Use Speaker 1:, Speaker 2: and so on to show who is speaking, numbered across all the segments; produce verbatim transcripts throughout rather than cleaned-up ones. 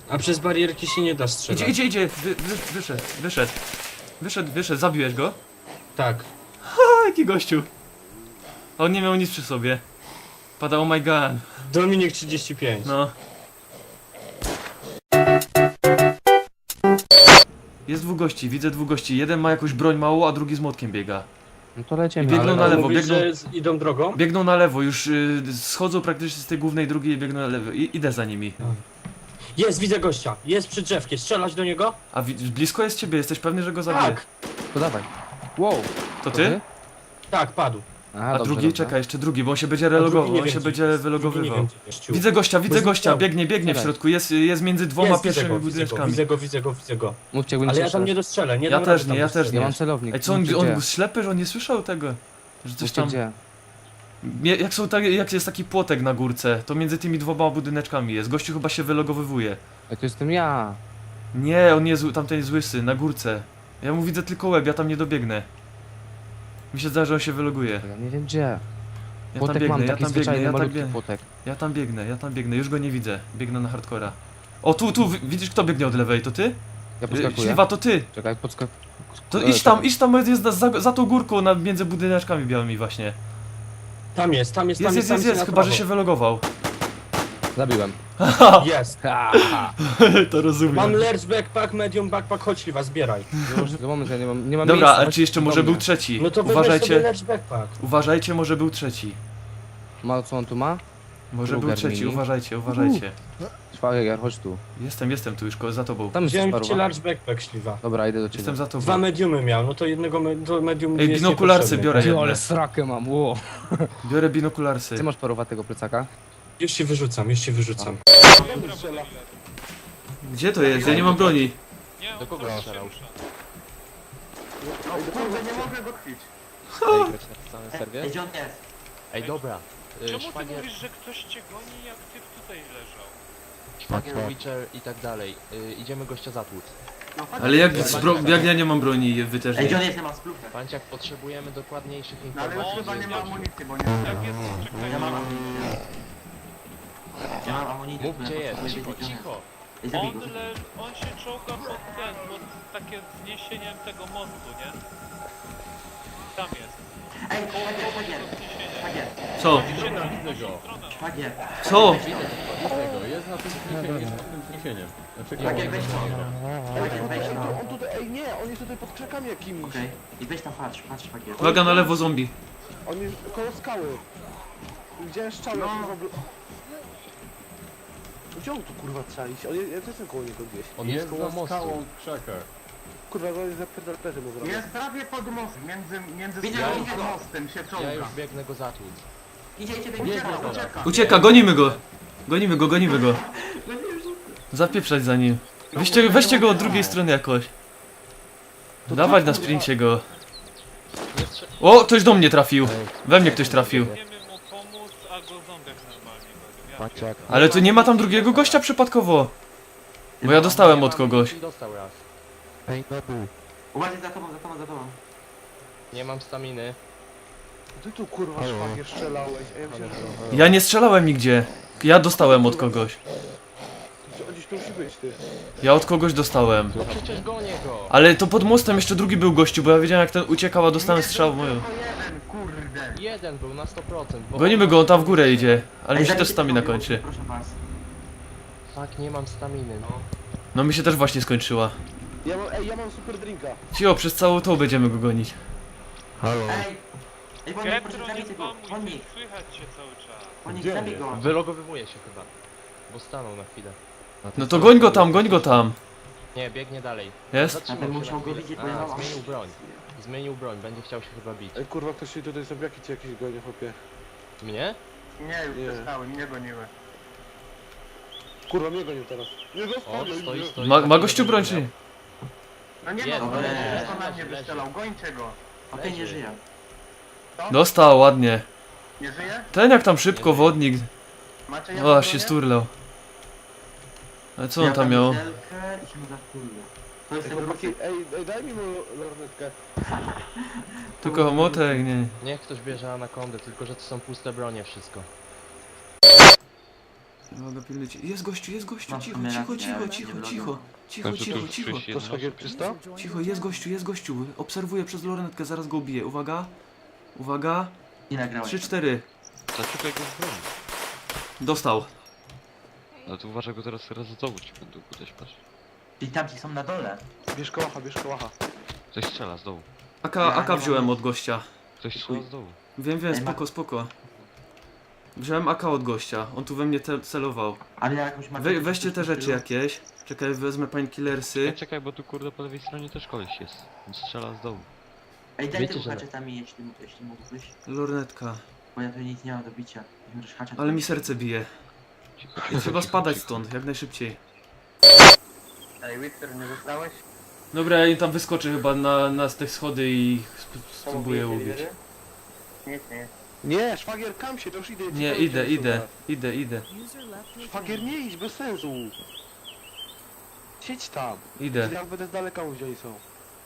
Speaker 1: A przez barierki się nie da strzelać.
Speaker 2: Idzie, idzie, idzie, wy, wy, wyszedł, wyszedł. Wyszedł, wyszedł, zabiłeś go?
Speaker 1: Tak.
Speaker 2: A, jaki gościu. On nie miał nic przy sobie. Padał oh my god.
Speaker 1: Dominik trzydzieści pięć.
Speaker 2: No. Jest dwóch gości, widzę dwóch gości. Jeden ma jakąś broń małą, a drugi z młotkiem biega.
Speaker 3: No to lecimy.
Speaker 2: I biegną
Speaker 1: Ale
Speaker 2: na lewo,
Speaker 1: mówisz,
Speaker 2: biegną-
Speaker 1: że z- idą drogą?
Speaker 2: Biegną na lewo, już y, schodzą praktycznie z tej głównej drugiej i biegną na lewo. I, idę za nimi.
Speaker 1: Jest, widzę gościa. Jest przy drzewkie. Strzelać do niego?
Speaker 2: A wi- blisko jest ciebie, jesteś pewny, że go zabiję?
Speaker 1: Tak.
Speaker 3: To dawaj. Wow.
Speaker 2: To ty?
Speaker 1: Tak, padł.
Speaker 3: Aha,
Speaker 2: A
Speaker 3: dobrze,
Speaker 2: drugi?
Speaker 3: dobrze.
Speaker 2: Czekaj, jeszcze drugi, bo on się będzie
Speaker 1: A drugi
Speaker 2: relogował,
Speaker 1: nie
Speaker 2: on
Speaker 1: wiem,
Speaker 2: się
Speaker 1: gdzie
Speaker 2: będzie
Speaker 1: jest. Drugi nie
Speaker 2: wylogowywał.
Speaker 1: wiem, gdzie jest.
Speaker 2: Widzę gościa, widzę
Speaker 1: Bo
Speaker 2: gościa,
Speaker 1: zniknął.
Speaker 2: biegnie, biegnie w
Speaker 3: Czekaj.
Speaker 2: środku, jest, jest między dwoma
Speaker 1: Jest, widzę
Speaker 2: pierwszymi
Speaker 1: go, widzę go,
Speaker 2: budyneczkami.
Speaker 1: widzę go, widzę go, widzę go.
Speaker 3: Mówcie, jakby nie
Speaker 1: Ale ja tam
Speaker 3: słyszał.
Speaker 1: nie dostrzelę, nie
Speaker 2: Ja
Speaker 1: dam
Speaker 2: też
Speaker 1: rady
Speaker 2: nie,
Speaker 1: tam
Speaker 2: ja też
Speaker 1: dostrzelić.
Speaker 3: Ja
Speaker 2: nie.
Speaker 3: mam celownik.
Speaker 2: Ej, co on,
Speaker 3: Mówcie,
Speaker 2: on
Speaker 3: gdzie?
Speaker 2: był ślepy, że on nie słyszał tego? Że coś
Speaker 3: Mówcie,
Speaker 2: tam...
Speaker 3: gdzie?
Speaker 2: Mie- Jak, są tak, jak jest taki płotek na górce, to między tymi dwoma budyneczkami jest. Gościu chyba się wylogowywuje.
Speaker 3: Ej, to jestem ja.
Speaker 2: Nie, on jest, tamten jest łysy, na górce. Ja mu widzę tylko łeb, ja tam nie dobiegnę. Mi się zdaje, że on się wyloguje.
Speaker 3: Ja nie wiem gdzie.
Speaker 2: Ja tam
Speaker 3: Płotek
Speaker 2: biegnę,
Speaker 3: mam,
Speaker 2: ja
Speaker 3: taki
Speaker 2: tam biegnę,
Speaker 3: zwyczajny,
Speaker 2: ja tam
Speaker 3: malutki
Speaker 2: biegnę.
Speaker 3: płotek.
Speaker 2: Ja tam biegnę, ja tam biegnę, już go nie widzę. Biegnę na hardcora. O, tu, tu, wi- widzisz kto biegnie od lewej, to ty?
Speaker 3: Ja
Speaker 2: Y,
Speaker 3: podskakuję.
Speaker 2: Śliwa, to ty!
Speaker 3: Czekaj, podskak...
Speaker 2: To
Speaker 3: E,
Speaker 2: idź tam,
Speaker 3: czekaj.
Speaker 2: idź tam, jest za, za, za tą górką, na, między budyneczkami białymi właśnie.
Speaker 1: Tam jest, tam jest,
Speaker 2: Jest,
Speaker 1: tam
Speaker 2: jest,
Speaker 1: tam
Speaker 2: jest, jest,
Speaker 1: na
Speaker 2: chyba że
Speaker 1: prawo.
Speaker 2: się wylogował.
Speaker 3: Zabiłem.
Speaker 1: Jest.
Speaker 3: Ha, ha.
Speaker 2: To
Speaker 1: Mam
Speaker 2: rozumiem.
Speaker 1: large backpack, medium backpack, chodź Śliwa, zbieraj.
Speaker 3: Już, za moment, ja nie mam, nie mam
Speaker 2: Dobra,
Speaker 3: miejsca.
Speaker 2: a czy jeszcze
Speaker 3: chodź
Speaker 2: może
Speaker 3: do
Speaker 2: był
Speaker 3: mnie.
Speaker 2: trzeci?
Speaker 1: No to weź sobie
Speaker 2: Uważajcie,
Speaker 1: large backpack.
Speaker 2: uważajcie, może był trzeci.
Speaker 3: Ma, co on tu ma?
Speaker 2: Może był
Speaker 3: Ruger
Speaker 2: trzeci,
Speaker 3: mini.
Speaker 2: uważajcie, uważajcie.
Speaker 3: Szwagier, chodź tu.
Speaker 2: Jestem, jestem tu już, ko- za tobą.
Speaker 3: Tam jest
Speaker 1: Wziąłem ci
Speaker 3: sparuwa.
Speaker 1: large backpack, Śliwa.
Speaker 3: Dobra, idę do ciebie.
Speaker 2: Jestem za tobą.
Speaker 1: Dwa mediumy miał, no to jednego me do medium
Speaker 2: Ej,
Speaker 1: jest
Speaker 2: binokularcy
Speaker 1: niepotrzebny.
Speaker 2: biorę.
Speaker 3: Ty,
Speaker 2: jedne.
Speaker 3: ale srakę mam, ło.
Speaker 2: Biorę binokularsy.
Speaker 3: Ty masz parowatego plecaka?
Speaker 1: Już ci wyrzucam, już ci wyrzucam.
Speaker 2: Gdzie to jest? Ja nie mam broni.
Speaker 3: Do kogo on strzelał?
Speaker 4: Kurde, nie mogę go chwycić.
Speaker 3: Ej, grać na samym serwie?
Speaker 4: Gdzie on jest?
Speaker 3: Ej, dobra. Y,
Speaker 5: Czemu ty
Speaker 3: Szwagier,
Speaker 5: mówisz, że ktoś cię goni, jak ty tutaj leżał?
Speaker 3: Szwagier, Witcher i tak dalej. Y, idziemy gościa zatłuc.
Speaker 4: No, chodź.
Speaker 2: Ale jak, z bro- jak ja nie mam broni, wy też
Speaker 4: Ej, gdzie
Speaker 2: nie.
Speaker 4: on jest? Ja mam splufę.
Speaker 3: Panciak, potrzebujemy dokładniejszych
Speaker 4: No ale już
Speaker 3: informacji.
Speaker 4: chyba nie ma amunicji, bo nie...
Speaker 5: Jak jest, czekaj,
Speaker 4: Ja mam amunicję. Ja mam amunicję.
Speaker 3: Mów gdzie jest,
Speaker 4: potrzebuję
Speaker 3: cicho,
Speaker 4: wiedzieć,
Speaker 3: cicho.
Speaker 4: Ej, zabij
Speaker 5: on,
Speaker 4: go.
Speaker 5: le, on się czołga pod ten, pod takie zniesieniem tego mostu, nie? Tam jest.
Speaker 4: Ej, szwagier, szwagier,
Speaker 5: Zniesienie.
Speaker 4: szwagier,
Speaker 2: Co?
Speaker 5: Idzie na drugą stronę.
Speaker 4: szwagier,
Speaker 2: Co?
Speaker 6: Jest na tym zniesieniu, jest na tym zniesieniu. Znaczy,
Speaker 4: szwagier, weź to. Szwagier, weź to.
Speaker 7: On tutaj, ej nie, on jest tutaj pod krzakami jakimiś.
Speaker 4: Okej. I weź tam, patrz, patrz, szwagier.
Speaker 2: Uwaga na lewo zombie.
Speaker 7: On jest koło skały. Widziałem szczałę,
Speaker 4: No.
Speaker 7: kurwa. bl- Gdzie on tu kurwa trzeba iść? On jest, ja też jestem koło niego gdzieś.
Speaker 3: On jest
Speaker 6: jest
Speaker 3: koło
Speaker 6: za
Speaker 3: mostu.
Speaker 6: skałą w krzakach.
Speaker 7: Kurwa, on jest za pedalperzy mu zrobił.
Speaker 4: Jest prawie pod mostem, między, między
Speaker 1: Widzę,
Speaker 4: skałą
Speaker 1: widzę
Speaker 4: a
Speaker 1: go.
Speaker 4: mostem się
Speaker 3: Ja
Speaker 4: czołga.
Speaker 3: już biegnę go zatłuc.
Speaker 4: Idzie, idzie,
Speaker 6: Nie,
Speaker 4: ucieka,
Speaker 6: nie,
Speaker 4: ucieka.
Speaker 2: Ucieka, gonimy go. Gonimy go, gonimy go. Zapieprzać za nim. Weźcie, weźcie go od drugiej strony jakoś. Dawać na sprincie go.
Speaker 3: Nie strze-
Speaker 2: O, ktoś do mnie trafił.
Speaker 3: Ej,
Speaker 2: We mnie ktoś trafił.
Speaker 5: Wiemy mu pomóc, a go zombiak normalnie goni. Ja
Speaker 3: Panciak.
Speaker 2: Ale tu nie ma tam drugiego gościa przypadkowo. Bo ja dostałem od kogoś.
Speaker 3: Dostał raz.
Speaker 4: Uważaj za tobą, za tobą, za tobą.
Speaker 3: Nie mam staminy.
Speaker 7: Ty tu kurwa szwagier strzelałeś, a ja myślałem, że
Speaker 2: Ja nie strzelałem nigdzie. Ja dostałem od kogoś.
Speaker 7: że on gdzieś tu musi być, ty.
Speaker 2: Ja od kogoś dostałem.
Speaker 3: No przecież gonię go.
Speaker 2: Ale to pod mostem jeszcze drugi był gościu, bo ja wiedziałem jak ten uciekał, a dostałem strzał w moją.
Speaker 4: Tylko jeden, kurde.
Speaker 3: Jeden był na sto procent. bo-
Speaker 2: Gonimy go, on tam w górę idzie. Ale mi się
Speaker 4: Ej,
Speaker 2: też
Speaker 4: zabijcie
Speaker 2: stamina
Speaker 4: tego,
Speaker 2: kończy.
Speaker 4: Proszę was.
Speaker 3: Tak, nie mam staminy, no.
Speaker 2: No mi się też właśnie skończyła.
Speaker 7: Ja mam, ej, ja mam super drinka.
Speaker 2: Cio, przez całą tą będziemy go gonić.
Speaker 4: Ej! Ej, Bonik, proszę,
Speaker 5: Getro,
Speaker 4: zabij
Speaker 5: nie
Speaker 4: tego.
Speaker 5: pomóż,
Speaker 4: Bonik,
Speaker 5: nie słychać cię cały czas.
Speaker 4: Bonik,
Speaker 6: Gdzie
Speaker 4: zabij
Speaker 6: jest?
Speaker 4: go.
Speaker 3: Wylogowywuje się chyba. Bo stanął na chwilę.
Speaker 2: No to goń go tam, goń go tam.
Speaker 3: Nie, biegnie dalej.
Speaker 2: Jest?
Speaker 3: Zatrzymał
Speaker 4: Ja bym
Speaker 3: się
Speaker 4: musiał
Speaker 3: na
Speaker 4: go
Speaker 3: chwilę.
Speaker 4: widzieć, bo ja
Speaker 3: A,
Speaker 4: mam
Speaker 3: zmienił broń. Zmienił broń, będzie chciał się chyba bić.
Speaker 7: Ej kurwa, ktoś się tutaj zombiaki czy jakieś gonie, chłopie.
Speaker 3: Mnie?
Speaker 4: Nie, już
Speaker 7: Nie.
Speaker 4: przestały, mnie goniły.
Speaker 7: Kurwa, mnie gonił teraz. Nie
Speaker 3: O,
Speaker 7: zostawię
Speaker 3: stoi,
Speaker 7: mnie.
Speaker 3: stoi.
Speaker 2: Ma, ma gościu broń czy nie?
Speaker 4: No nie
Speaker 3: Jest,
Speaker 4: ma,
Speaker 3: leży,
Speaker 4: ale
Speaker 3: leży,
Speaker 4: to na
Speaker 3: leży,
Speaker 4: mnie
Speaker 3: leży.
Speaker 4: wystrzelał, gońcie go. Okej, nie
Speaker 3: Leży.
Speaker 4: żyje.
Speaker 2: Dostał, ładnie.
Speaker 4: Nie żyje?
Speaker 2: Ten jak tam szybko, wodnik.
Speaker 4: Macie
Speaker 2: O,
Speaker 4: jakąś
Speaker 2: aż się
Speaker 4: bronię?
Speaker 2: sturlał. Ale co on
Speaker 4: Ja
Speaker 2: tam miał?
Speaker 4: butelkę i się mu zakurwię. To jest
Speaker 7: Ej,
Speaker 4: tego
Speaker 7: chłopaki, ej, ej, daj mi mu lornetkę.
Speaker 2: Tylko młotek, nie.
Speaker 3: Niech ktoś bierze anakondę, tylko że to są puste bronie wszystko.
Speaker 2: Uwaga, pilnujcie. Jest gościu, jest gościu,
Speaker 4: Masz
Speaker 2: cicho,
Speaker 4: w sumie
Speaker 2: cicho,
Speaker 4: rację,
Speaker 2: cicho,
Speaker 4: ale
Speaker 2: cicho,
Speaker 4: nie
Speaker 2: cicho,
Speaker 4: wlogą.
Speaker 2: cicho, cicho, cicho,
Speaker 7: To szwagier czysto?
Speaker 2: cicho, jest gościu, jest gościu. Obserwuję przez lornetkę, zaraz go ubiję. Uwaga, uwaga,
Speaker 4: Ile grałeś?
Speaker 2: trzy, cztery.
Speaker 8: Zaczekaj go w broni.
Speaker 2: Dostał.
Speaker 8: Ale to uważaj, go teraz raz z dołu ci będą uderzyć, patrz.
Speaker 4: Czyli tamci są na dole.
Speaker 7: Bierz kołacha, bierz kołacha.
Speaker 8: Ktoś strzela z dołu.
Speaker 2: AK,
Speaker 4: Ja
Speaker 2: AK
Speaker 4: nie
Speaker 2: wziąłem
Speaker 4: mam-
Speaker 2: od gościa.
Speaker 8: Ktoś strzela z dołu.
Speaker 2: Wiem, wiem,
Speaker 4: Ej, ma-
Speaker 2: spoko, spoko. Wziąłem AK od gościa, on tu we mnie te- celował.
Speaker 4: Ale ja jakąś mam...
Speaker 2: We, weźcie te rzeczy jakieś. Czekaj, wezmę painkillersy.
Speaker 8: Czekaj, czekaj, bo tu kurde po lewej stronie też koleś jest. On strzela z dołu.
Speaker 4: Ej, daj
Speaker 3: Wiecie,
Speaker 4: tym
Speaker 3: że-
Speaker 4: haczetami, jeśli, jeśli mógłbyś.
Speaker 2: Lornetka.
Speaker 4: Bo ja tu nic nie mam do bicia. Możesz haczet.
Speaker 2: Ale mi serce bije.
Speaker 8: Cicho, cicho,
Speaker 2: Trzeba
Speaker 8: cicho,
Speaker 2: spadać
Speaker 8: cicho.
Speaker 2: stąd, jak najszybciej.
Speaker 7: Ej, Wither, nie zostałeś?
Speaker 2: Dobra, ja im tam wyskoczę chyba na, na te schody i sp- spróbuję ubić.
Speaker 7: Nic, nie. Nie, szwagier, kam się, to już idę. ci
Speaker 2: Nie,
Speaker 7: powiem,
Speaker 2: idę,
Speaker 7: gdzie
Speaker 2: idę,
Speaker 7: są
Speaker 2: idę, idę,
Speaker 7: teraz. Szwagier, nie idź, bez sensu. Siedź tam.
Speaker 2: idę.
Speaker 7: Jak będę z daleka gdzie oni są.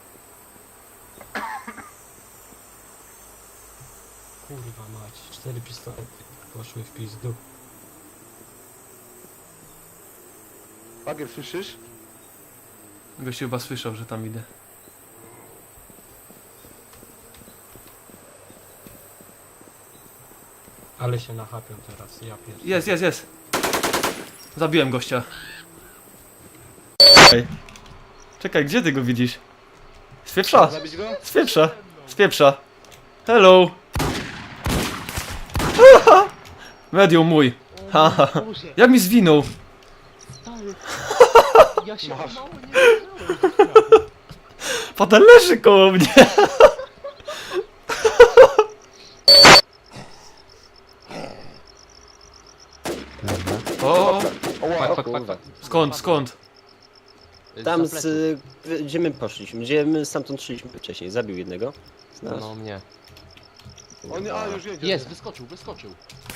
Speaker 1: Kurwa mać, cztery pistolety poszły w pizdu.
Speaker 7: Szwagier, słyszysz?
Speaker 2: Gościu chyba słyszał, że tam idę.
Speaker 1: Ale się nachapią teraz, ja pierdolę.
Speaker 2: Jest, jest, jest. Zabiłem gościa. Ej. Czekaj, gdzie ty go widzisz? Z pieprza,
Speaker 7: Zabić go?
Speaker 2: z pieprza, z pieprza. Hello. Medium mój. Haha. Jak mi zwinął?
Speaker 3: Ja się
Speaker 7: Masz.
Speaker 3: mało nie
Speaker 2: Potem leży koło mnie. O,
Speaker 7: Oła,
Speaker 8: Fak, fak, fak.
Speaker 2: skąd, skąd?
Speaker 9: Tam z... y, gdzie my poszliśmy, gdzie my stamtąd szliśmy wcześniej, zabił jednego z nas.
Speaker 3: No mnie.
Speaker 7: on nie, a już jedzie.
Speaker 3: Jest, wyskoczył, wyskoczył.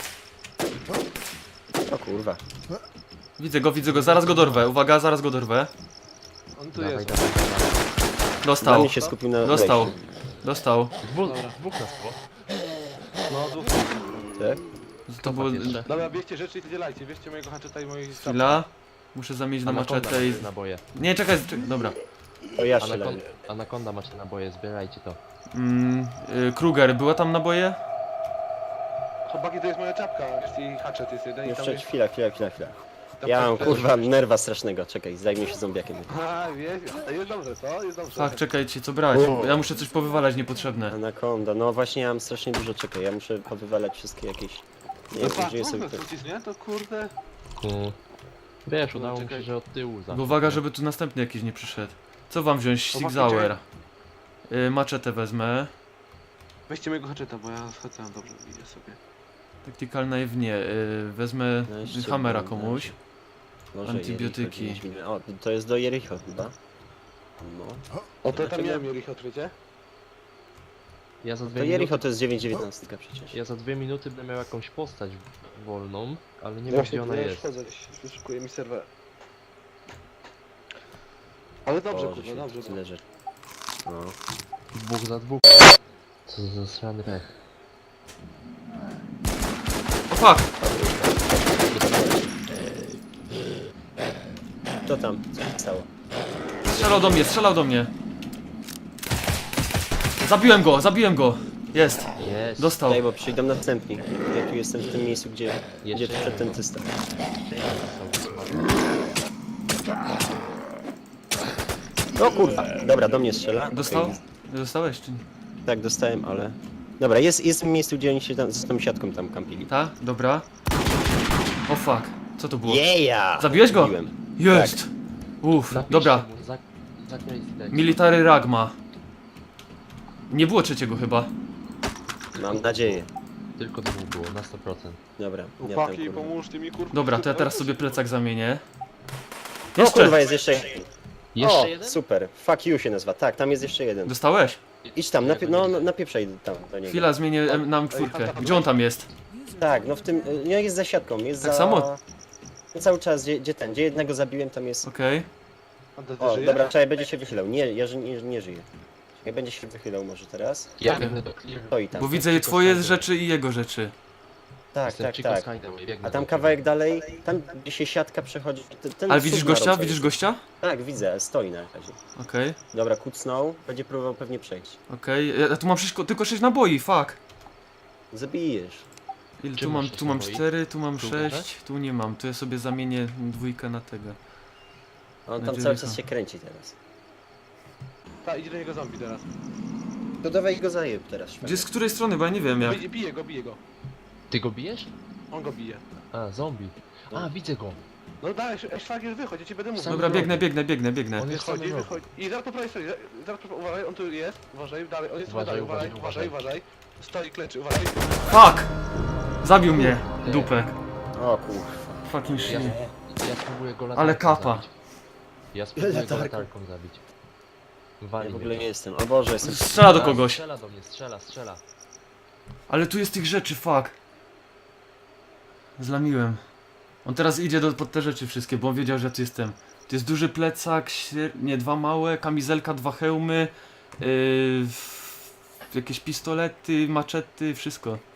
Speaker 9: O kurwa.
Speaker 2: Widzę go, widzę go, zaraz go dorwę. Uwaga, zaraz go dorwę.
Speaker 7: On tu
Speaker 3: Dawaj,
Speaker 7: jest.
Speaker 3: dawaj, dawaj.
Speaker 9: Dla
Speaker 2: Dostał,
Speaker 9: mnie się skupił na
Speaker 2: dostał,
Speaker 9: wejściu.
Speaker 2: dostał.
Speaker 3: Dwóch, dwóch nas było.
Speaker 7: No, tu.
Speaker 9: Tak?
Speaker 2: To było...
Speaker 3: Jeszcze.
Speaker 7: Dobra, bierzcie rzeczy i wydzielajcie. Bierzcie mojego haczeta i moich
Speaker 2: Chwila. Muszę zamienić na
Speaker 3: Anaconda
Speaker 2: maczetę i...
Speaker 3: macie naboje.
Speaker 2: Nie, czekaj, czekaj, dobra.
Speaker 9: To ja strzelałem.
Speaker 3: Anaconda, Anaconda macie naboje, zbierajcie to.
Speaker 2: Mm, y, Kruger, była tam naboje?
Speaker 7: Chłopaki, to jest moja czapka. I haczet jest jeden i tam
Speaker 9: Jeszcze
Speaker 7: jest...
Speaker 9: chwila, chwila, chwila, chwila.
Speaker 7: tam
Speaker 9: Ja
Speaker 7: coś
Speaker 9: mam
Speaker 7: też-
Speaker 9: kurwa nerwa strasznego, czekaj, zajmie się zombiakiem.
Speaker 7: A, wiesz, to jest dobrze, co? Jest dobrze.
Speaker 2: Tak, czekajcie, co brać? Ja muszę coś powywalać niepotrzebne.
Speaker 9: Anaconda, no właśnie ja mam strasznie dużo, czekaj, ja muszę powywalać wszystkie jakieś... Nie
Speaker 7: No
Speaker 9: wiem,
Speaker 7: patrz,
Speaker 9: gdzie sobie
Speaker 7: trudno
Speaker 9: to...
Speaker 7: wrócić, nie? To kurde...
Speaker 3: Mm. Wiesz, udało mi się,
Speaker 7: czekaj.
Speaker 3: że od tyłu zawsze.
Speaker 2: Bo uwaga, żeby tu następny jakiś nie przyszedł. Co wam wziąć?
Speaker 7: To
Speaker 2: Six
Speaker 7: właśnie
Speaker 2: Hour. Y, maczetę wezmę.
Speaker 7: Weźcie mojego haczeta, bo ja schadzam dobrze, widzę sobie.
Speaker 2: Tactical knife nie. Y, wezmę
Speaker 9: No jeszcze
Speaker 2: hammera
Speaker 9: mam,
Speaker 2: komuś.
Speaker 9: Może
Speaker 2: Antybiotyki.
Speaker 9: Jericho, dziewięć minut. O, to jest do Jericho chyba. No.
Speaker 7: O, to tam
Speaker 9: Dlaczego?
Speaker 7: miałem Jericho, wiecie?
Speaker 3: Ja za
Speaker 9: To
Speaker 3: dwie
Speaker 9: Jericho
Speaker 3: minuty,
Speaker 9: to jest dziewięć dziewiętnaście przecież.
Speaker 3: ja za dwie minuty będę miał jakąś postać wolną, ale nie wiem
Speaker 7: Właśnie,
Speaker 3: gdzie ona
Speaker 7: ja już
Speaker 3: jest.
Speaker 7: wchodzę, wyszukuję mi serwer. Ale dobrze,
Speaker 9: Boże,
Speaker 7: kurwa,
Speaker 9: się
Speaker 7: dobrze.
Speaker 9: tyle rzeczy. No.
Speaker 3: Dwóch za dwóch. Co za srany pech.
Speaker 2: O fuck!
Speaker 9: To tam, co się stało?
Speaker 2: Strzelał do mnie, strzelał do mnie. Zabiłem go, zabiłem go. Jest,
Speaker 3: Jest.
Speaker 2: dostał.
Speaker 9: Daj, bo przyjdą następni. Ja tu jestem w tym miejscu, gdzie, gdzie
Speaker 3: Jeszcze
Speaker 9: przed ten tysta. O kurwa, dobra, do mnie strzela.
Speaker 2: Dostał?
Speaker 9: Okej.
Speaker 2: Dostałeś czy nie?
Speaker 9: Tak, dostałem, ale... Dobra, jest, jest w miejscu, gdzie oni się tam, z tą siatką tam kampili.
Speaker 2: Ta? Dobra. O fuck, co to było?
Speaker 9: Yeah!
Speaker 2: Zabiłeś go?
Speaker 9: Zabiłem.
Speaker 2: Jest! Uff,
Speaker 3: Napiszcie
Speaker 2: dobra.
Speaker 3: mu, za- zakryj tekst.
Speaker 2: Military Ragma. Nie było trzeciego chyba.
Speaker 9: Mam nadzieję.
Speaker 3: Tylko dwóch było, na sto procent.
Speaker 9: Dobra, ja tam,
Speaker 7: Chłopaki,
Speaker 9: kurwa.
Speaker 7: pomóżcie mi, kurwa.
Speaker 2: Dobra, to ja teraz sobie plecak zamienię.
Speaker 9: O kurwa,
Speaker 2: Jeszcze!
Speaker 9: jest jeszcze jeden.
Speaker 3: Jeszcze
Speaker 9: O,
Speaker 3: jeden?
Speaker 9: super. Fuck you się nazywa. Tak, tam jest jeszcze jeden.
Speaker 2: Dostałeś?
Speaker 9: Idź tam, napie no, no, napieprzaj tam do niego.
Speaker 2: Chwila, zmienię em, nam czwórkę. Gdzie on tam jest?
Speaker 9: Tak, no w tym, nie jest za siatką, jest
Speaker 2: Tak
Speaker 9: za...
Speaker 2: samo?
Speaker 9: No cały czas, gdzie, gdzie ten, gdzie jednego zabiłem, tam jest...
Speaker 2: Okej.
Speaker 9: O, dobra, czekaj, będzie się wychylał. Nie, ja ży- nie, nie żyję. Czekaj, będzie się wychylał może teraz.
Speaker 3: Ja
Speaker 2: Okej.
Speaker 3: biegnę do clear.
Speaker 9: To i tam.
Speaker 2: Bo widzę twoje rzeczy i jego rzeczy.
Speaker 9: Tak,
Speaker 3: Jestem
Speaker 9: tak,
Speaker 3: Chico
Speaker 9: tak.
Speaker 3: Skydaway, biegnę
Speaker 9: A tam
Speaker 3: do
Speaker 9: kawałek dalej, tam gdzie się siatka przechodzi. Ten, ten
Speaker 2: Ale
Speaker 9: cud
Speaker 2: widzisz
Speaker 9: na
Speaker 2: gościa?
Speaker 9: rowerze.
Speaker 2: Widzisz gościa?
Speaker 9: Tak, widzę, stoi na razie.
Speaker 2: Okej,
Speaker 9: Dobra, kucnął, będzie próbował pewnie przejść.
Speaker 2: okej. Ja tu mam sześć, tylko sześć naboi, fuck.
Speaker 9: Zabijesz.
Speaker 2: Ile
Speaker 3: Czym
Speaker 2: tu mam?
Speaker 3: masz
Speaker 2: Tu mam
Speaker 3: naboi?
Speaker 2: cztery, tu mam
Speaker 3: Tu
Speaker 2: sześć, tu nie mam. Tu ja sobie zamienię dwójkę na tego.
Speaker 9: On
Speaker 2: Na
Speaker 9: tam cały
Speaker 2: Jericho.
Speaker 9: czas się kręci teraz.
Speaker 7: Ta, idzie do niego zombie teraz.
Speaker 9: To dawaj go zajeb teraz.
Speaker 2: Gdzie z której strony, bo ja nie wiem jak.
Speaker 7: Bije, bije go, bije go.
Speaker 3: Ty go bijesz?
Speaker 7: On go bije.
Speaker 3: A, zombie. A, widzę go.
Speaker 7: No daj, sz- szwagier wychodź, ja ci będę mówił.
Speaker 3: Sam
Speaker 2: Dobra,
Speaker 3: robi.
Speaker 2: biegnę, biegnę, biegnę, biegnę.
Speaker 3: On jest
Speaker 7: Wychodzi,
Speaker 3: sam robi.
Speaker 7: wychodzi. I zaraz po prawej stronie, za- zaraz po, uważaj, on tu jest, uważaj, dalej, on jest
Speaker 3: Uważaj,
Speaker 7: dalej, uważaj,
Speaker 3: uważaj,
Speaker 7: uważaj, uważaj. Stoi, kleczy, uważaj.
Speaker 2: Fuck! Zabił mnie, dupek.
Speaker 9: O kurwa.
Speaker 2: Fucking
Speaker 3: Ja,
Speaker 2: shit.
Speaker 3: ja spróbuję go latarką
Speaker 2: Ale kapa.
Speaker 3: zabić. Ja spróbuję go
Speaker 9: Latarką.
Speaker 3: latarką zabić.
Speaker 9: Ja
Speaker 3: Wali
Speaker 9: w ogóle
Speaker 3: mnie.
Speaker 9: nie jestem. O Boże, jestem.
Speaker 2: Strzela do
Speaker 3: A,
Speaker 2: kogoś.
Speaker 3: Strzela do mnie, strzela, strzela.
Speaker 2: Ale tu jest tych rzeczy, fuck. Zlamiłem. On teraz idzie do, pod te rzeczy wszystkie, bo on wiedział, że ja tu jestem. Tu jest duży plecak, śre- nie, dwa małe, kamizelka, dwa hełmy, yy, jakieś pistolety, maczety, wszystko.